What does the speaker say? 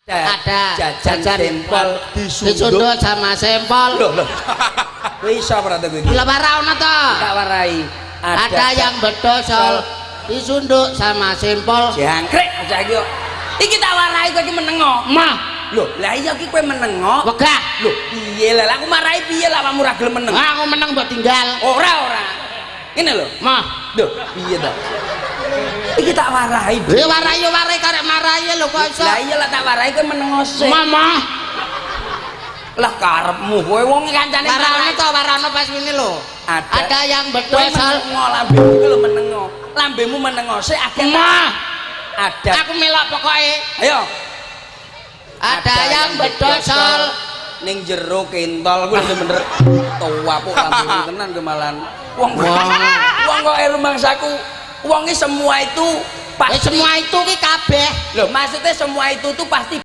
Ada jajan sempol disundut sama sempol. Loh. Kowe iso ora to kowe iki? Gila para ono to. Tak warai. Ada yang bedosol disunduk sama sempol. Jangkrik aja iki kok. Iki tak warai kowe iki menengo. Mah, Loh, lah iya iki kowe menengo. wegah. Loh, piye lah aku marahi piye lah awakmu ora gelem meneng. Aku menang mbok tinggal. Ora. Ngene lho. Mah, Loh, piye ta? Iki tak warai. warai karek marahi lho kok iso. Lah iya lah tak warai kowe menengo sik. Mama, Lah karepmu kowe wong kancane warana to warana pas ngene lho. Ada yang kowe bedosol. menengo lambemu iki lho menengo. Lambemu menengo sik akeh. Mah, Ada. aku melok pokoke. Ayo. Ada yang bedosol. Ning jero kentol kuwi bener tua kok lambemu tenan kemalan. Wong kok rumangsaku wong iki semua itu pasti Semua itu ki kabeh. Loh, maksudnya semua itu tuh pasti